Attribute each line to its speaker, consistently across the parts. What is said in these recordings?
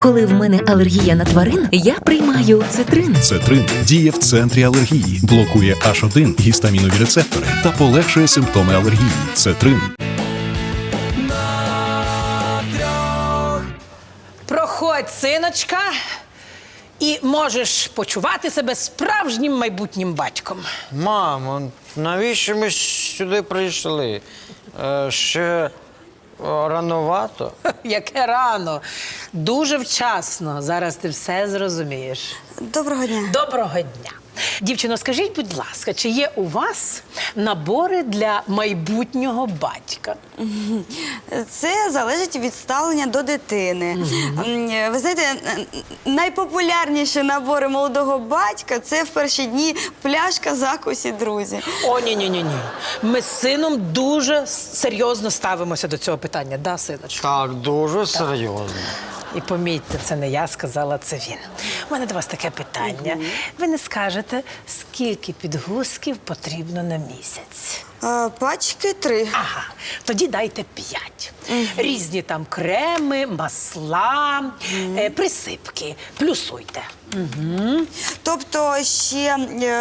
Speaker 1: Коли в мене алергія на тварин, я приймаю цитрин.
Speaker 2: Цетрин діє в центрі алергії, блокує H1 гістамінові рецептори та полегшує симптоми алергії. Цетрин.
Speaker 3: Проходь, синочка, і можеш почувати себе справжнім майбутнім батьком.
Speaker 4: Мамо, навіщо ми сюди прийшли? Ще рановато?
Speaker 3: Яке рано. Дуже вчасно. Зараз ти все зрозумієш.
Speaker 5: Доброго дня.
Speaker 3: Доброго дня. Дівчино, скажіть, будь ласка, чи є у вас набори для майбутнього батька?
Speaker 5: Це залежить від ставлення до дитини. Ви знаєте, найпопулярніші набори молодого батька – це в перші дні пляшка, закусі, друзі.
Speaker 3: О, ні. Ми з сином дуже серйозно ставимося до цього питання, да, синочку?
Speaker 4: Так, дуже серйозно.
Speaker 3: І помітьте, це не я сказала, це він. У мене до вас таке питання. Ви не скажете, скільки підгузків потрібно на місяць?
Speaker 5: Пачки 3.
Speaker 3: Ага, тоді дайте 5. Різні там креми, масла, присипки. Плюсуйте.
Speaker 5: Тобто ще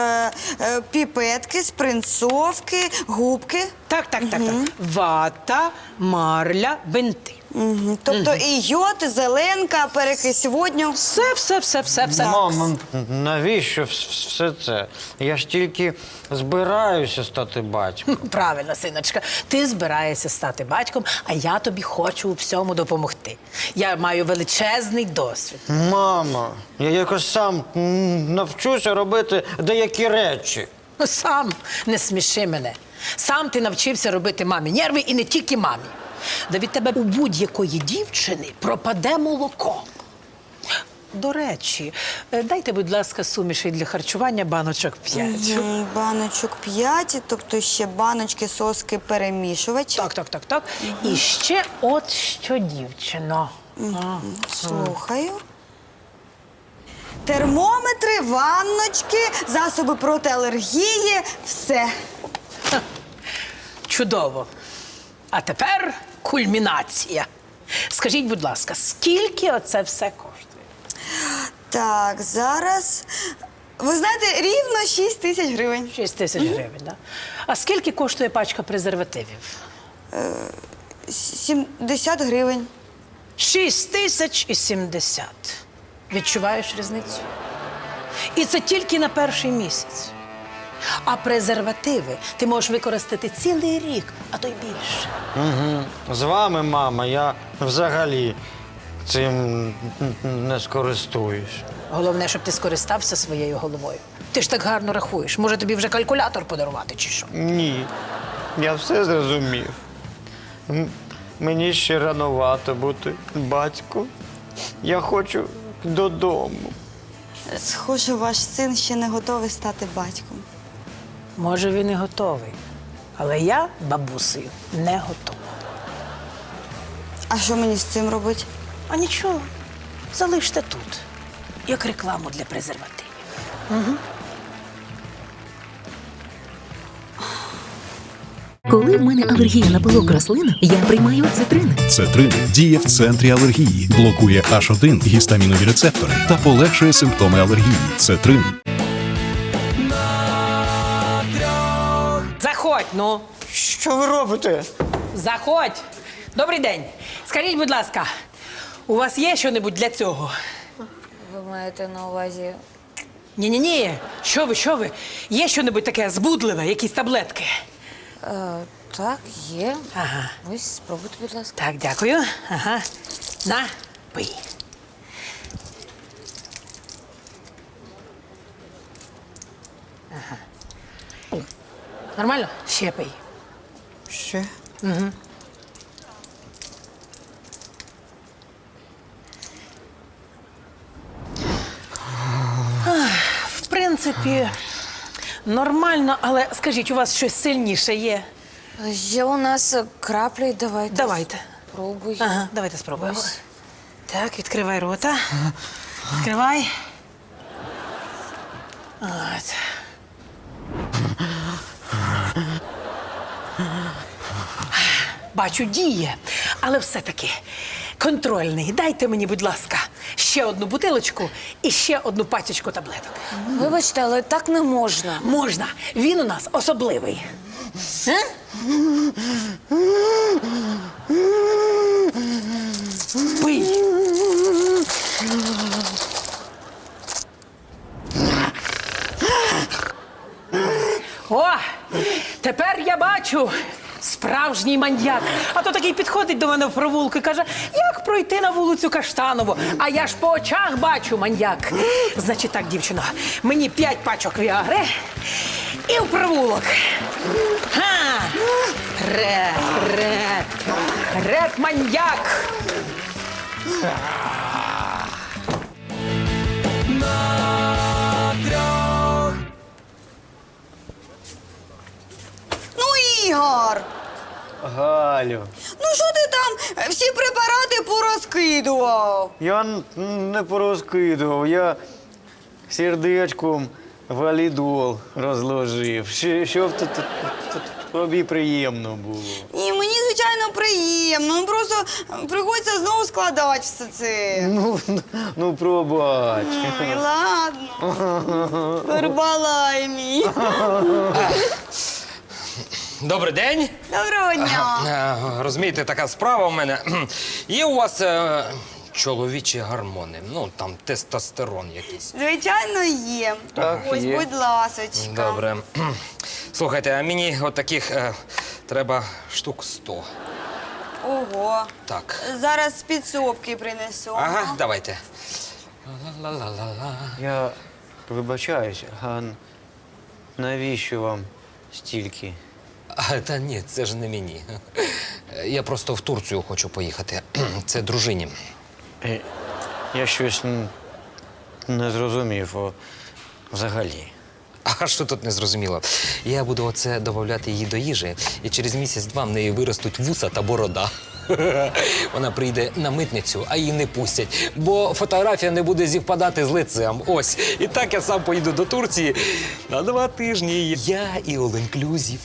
Speaker 5: піпетки, спринцовки, губки.
Speaker 3: Так. Вата, марля, бинти.
Speaker 5: Тобто і йод, і зеленка, перекись водню.
Speaker 3: Все.
Speaker 4: Мамо, навіщо все це? Я ж тільки збираюся стати батьком.
Speaker 3: Правильно, синочка. Ти збираєшся стати батьком, а я тобі хочу у всьому допомогти. Я маю величезний досвід.
Speaker 4: Мамо, я якось сам навчуся робити деякі речі.
Speaker 3: Сам не сміши мене. Сам ти навчився робити мамі нерви і не тільки мамі. Да від тебе у будь-якої дівчини пропаде молоко. До речі, дайте, будь ласка, суміші для харчування баночок 5.
Speaker 5: Баночок 5, тобто ще баночки, соски, перемішувач.
Speaker 3: Так. І ще от що, дівчино.
Speaker 5: Слухаю. Термометри, ванночки, засоби проти алергії, все.
Speaker 3: Чудово. А тепер кульмінація. Скажіть, будь ласка, скільки оце все коштує?
Speaker 5: Так, зараз. Ви знаєте, рівно 6 тисяч гривень.
Speaker 3: 6 тисяч гривень, так? А скільки коштує пачка презервативів?
Speaker 5: 70 гривень.
Speaker 3: 6070. Відчуваєш різницю? І це тільки на перший місяць. А презервативи ти можеш використати цілий рік, а то й більше.
Speaker 4: З вами, мама, я взагалі цим не скористуюсь.
Speaker 3: Головне, щоб ти скористався своєю головою. Ти ж так гарно рахуєш. Може, тобі вже калькулятор подарувати чи що?
Speaker 4: Ні, я все зрозумів. Мені ще рановато бути батьком. Я хочу додому.
Speaker 5: Схоже, ваш син ще не готовий стати батьком.
Speaker 3: Може, він і готовий. Але я, бабусею, не готова.
Speaker 5: А що мені з цим робити?
Speaker 3: А нічого, залиште тут, як рекламу для презервативів.
Speaker 1: Коли в мене алергія на пилок рослин, я приймаю цитрин.
Speaker 2: Цетрин діє в центрі алергії, блокує H1 гістамінові рецептори та полегшує симптоми алергії. Цетрин.
Speaker 3: Заходь, ну.
Speaker 4: Що ви робите?
Speaker 3: Заходь. Добрий день. Скажіть, будь ласка, у вас є щось для цього?
Speaker 6: Ви маєте на увазі.
Speaker 3: Ні. Що ви? Є щось таке збудливе, якісь таблетки?
Speaker 6: Так, є.
Speaker 3: Ага.
Speaker 6: Ось, спробуйте, будь ласка.
Speaker 3: Так, дякую. Ага. На, пий. Ага. Нормально? Ще пий.
Speaker 4: Ще?
Speaker 3: В принципі, нормально, але скажіть, у вас щось сильніше є?
Speaker 6: Є у нас краплі, давайте.
Speaker 3: Давайте.
Speaker 6: Пробуй.
Speaker 3: Ага, давайте спробуємо.
Speaker 6: Ось.
Speaker 3: Так, відкривай рота. Відкривай. От. Бачу, діє. Але все-таки Контрольний, дайте мені, будь ласка, ще одну бутилочку і ще одну пачечку таблеток.
Speaker 6: Вибачте, але так не можна.
Speaker 3: Можна, він у нас особливий. Пий. О, тепер я бачу справжній маньяк. А то такий підходить до мене в провулку і каже, як пройти на вулицю Каштанову. А я ж по очах бачу маньяк. Значить так, дівчино, мені 5 пачок віагри і в провулок. Ха! Ред, маньяк!
Speaker 5: Ну, Ігор,
Speaker 4: Галю,
Speaker 5: ну що ти там всі препарати порозкидував?
Speaker 4: я не порозкидував, я сердечком валідол розложив, щоб тобі приємно було.
Speaker 5: І мені, звичайно, приємно. Ну просто приходиться знову складати все це.
Speaker 4: Ну пробач.
Speaker 5: Ой, ладно. Барбалай мій.
Speaker 7: Добрий день.
Speaker 5: Доброго дня.
Speaker 7: Розумієте, така справа у мене. Є у вас чоловічі гормони, ну там тестостерон якийсь.
Speaker 5: Звичайно, є.
Speaker 4: Так,
Speaker 5: Ось,
Speaker 4: є.
Speaker 5: будь ласочка.
Speaker 7: Добре. Слухайте, а мені от таких треба штук 100.
Speaker 5: Ого.
Speaker 7: Так.
Speaker 5: Зараз з підсобки принесу.
Speaker 7: Ага, давайте. Ла-ла-ла-ла-ла.
Speaker 4: Я вибачаюсь, а навіщо вам стільки?
Speaker 7: Та ні, це ж не мені. Я просто в Турцію хочу поїхати. Це дружині.
Speaker 4: Я щось не зрозумів взагалі.
Speaker 7: А що тут не зрозуміло? Я буду оце додавати її до їжі, і через місяць-два в неї виростуть вуса та борода. Вона прийде на митницю, а її не пустять, бо фотографія не буде зівпадати з лицем. Ось. І так я сам поїду до Турції на 2 тижні. Я і all-inclusive.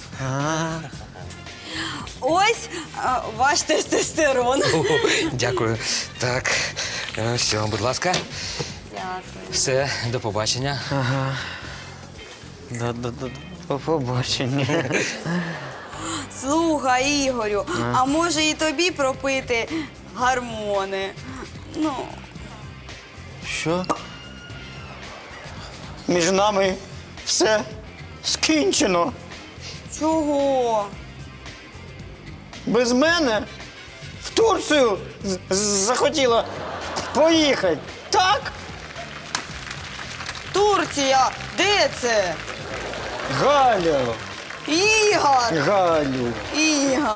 Speaker 5: Ось ваш тестостерон.
Speaker 7: О, дякую. Так, все, будь ласка.
Speaker 5: Дякую.
Speaker 7: Все, до побачення.
Speaker 4: До побачення.
Speaker 5: Слухай, Ігорю, а може і тобі пропити гормони? Ну,
Speaker 4: Що? Між нами все скінчено.
Speaker 5: чого?
Speaker 4: Без мене в Турцію захотіла поїхати. Так?
Speaker 5: Турція, де це?
Speaker 4: Галю,
Speaker 5: Ігор!
Speaker 4: Галю.
Speaker 5: Ігор!